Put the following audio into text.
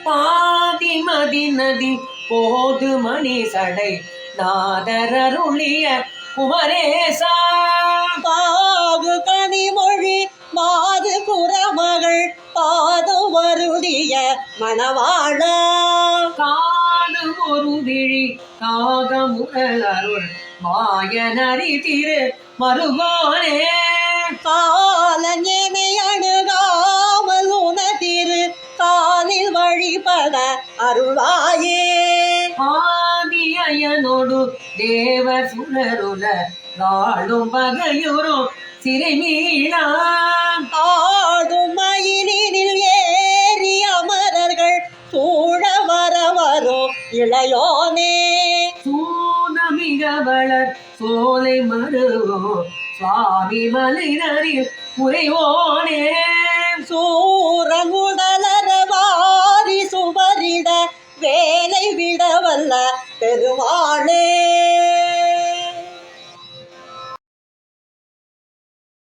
பாதிமதி நதி போது மணி சடை நாதரருளிய குமரேசா பாகு கனிமொழி மாது குரமகள் பாது வருதிய மணவாழ காது ஒரு விழி காகமுரல் மாயனரி திரு மருகோனே காலஞனை அணுகாமல் உனதிரு காலில் வழிபட அருள்வாயே ஆதியனோடு தேவ சுடருல நாளும் பகையுறும் சிறைமீளா ஆடும் மயிலினில் ஏறி அமரர்கள் சூழ வர வரும் இளையோனே சூனமிக வளர் சோலை மருவோ சுவாமி மலைநரில் உரைவோனே சூரங்குடலர வாரி சுவரிட வேலை விடவல்ல பெருமாளே